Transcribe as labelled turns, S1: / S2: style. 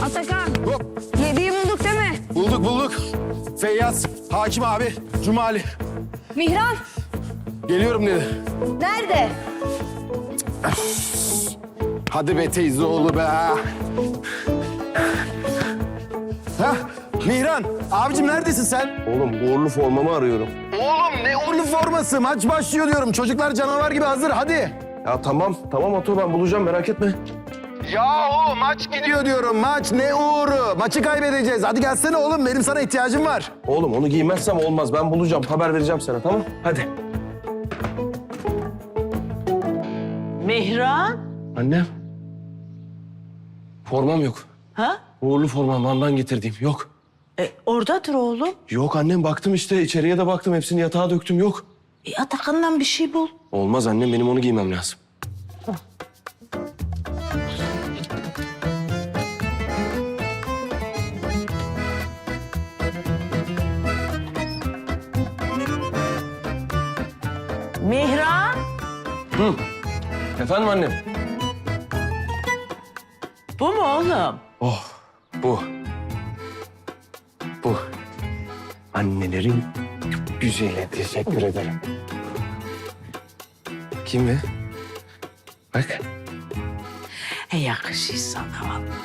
S1: Atakan,
S2: Hop.
S1: yediği bulduk değil mi?
S2: Bulduk. Feyyaz, Hakim abi, Cumali.
S1: Mihran,
S2: Geliyorum dedi.
S1: nerede?
S2: Hadi be teyze oğlu be. Hah, Mihran. Abicim neredesin sen?
S3: Oğlum uğurlu formamı arıyorum.
S2: Oğlum ne uğurlu forması? Maç başlıyor diyorum. Çocuklar canavar gibi hazır. Hadi.
S3: Ya tamam Ato ben bulacağım merak etme.
S2: Yahu maç gidiyor diyorum. Maç ne uğuru? Maçı kaybedeceğiz. Hadi gelsene oğlum. Benim sana ihtiyacım var.
S3: Oğlum onu giymezsem olmaz. Ben bulacağım. Haber vereceğim sana tamam? Hadi.
S4: Mihran?
S3: Annem. Formam yok.
S4: Ha?
S3: Uğurlu formam Van'dan getirdiğim yok.
S4: Oradadır oğlum.
S3: Yok annem baktım işte içeriye de baktım. Hepsini yatağa döktüm yok.
S4: Atakan'dan bir şey bul.
S3: Olmaz annem benim onu giymem lazım.
S4: Mihran?
S3: Efendim annem?
S4: Bu mu oğlum?
S3: Oh bu. Bu. Annelerin güzeli. Teşekkür ederim. Kim be? Bak.
S4: Yakışır sana vallahi.